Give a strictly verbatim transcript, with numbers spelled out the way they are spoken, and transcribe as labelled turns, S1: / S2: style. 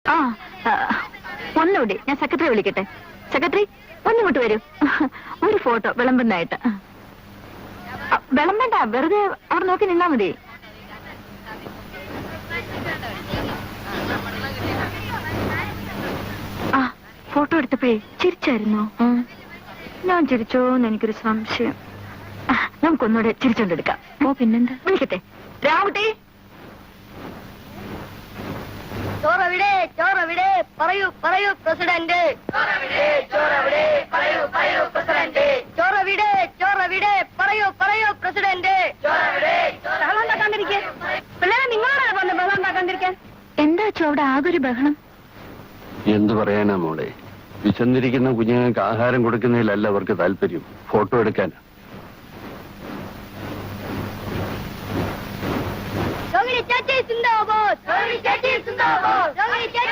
S1: ആ ഒന്നുകൂടി ഞാൻ സെക്രട്ടറി വിളിക്കട്ടെ. സെക്രട്ടറി ഒന്നിങ്ങോട്ട് വരൂ. ഒരു ഫോട്ടോ വിളമ്പുന്നതായിട്ട്. വിളമ്പണ്ട, വെറുതെ അവിടെ നോക്കി നിന്നാ മതി. ആ ഫോട്ടോ എടുത്തപ്പോഴേ ചിരിച്ചായിരുന്നോ? ഞാൻ ചിരിച്ചോന്ന് എനിക്കൊരു സംശയം. നമുക്കൊന്നുകൂടെ ചിരിച്ചോണ്ടെടുക്കാം. ഓ പിന്നെന്താ, വിളിക്കട്ടെ. രാവുട്ടി,
S2: ചോറവിടെ ചോറവിടെ പറയൂ പറയൂ പ്രസിഡന്റ്. ചോറവിടെ ചോറവിടെ പറയൂ പറയൂ പ്രസിഡന്റ്. ചോറവിടെ ചോറവിടെ പറയൂ പറയൂ പ്രസിഡന്റ്. ചോറവിടെ ബഹളം ഉണ്ടാക്കാണ്ടിരിക്കാൻ പിള്ളേരെ നിങ്ങളോടാണ് പറഞ്ഞത് ബഹളം ഉണ്ടാക്കാണ്ടിരിക്കാൻ.
S1: എന്താ ചോ അവിടെ ആകൊരു ബഹളം?
S3: എന്തു പറയാനാ മോളെ, വിശന്നിരിക്കുന്ന കുഞ്ഞുങ്ങൾക്ക് ആഹാരം കൊടുക്കുന്നതിലല്ല അവർക്ക് താല്പര്യം, ഫോട്ടോ എടുക്കാൻ.
S2: ചേച്ചി സിന്ദാബാദ്, ചേച്ചി സിന്ദാബാദ്.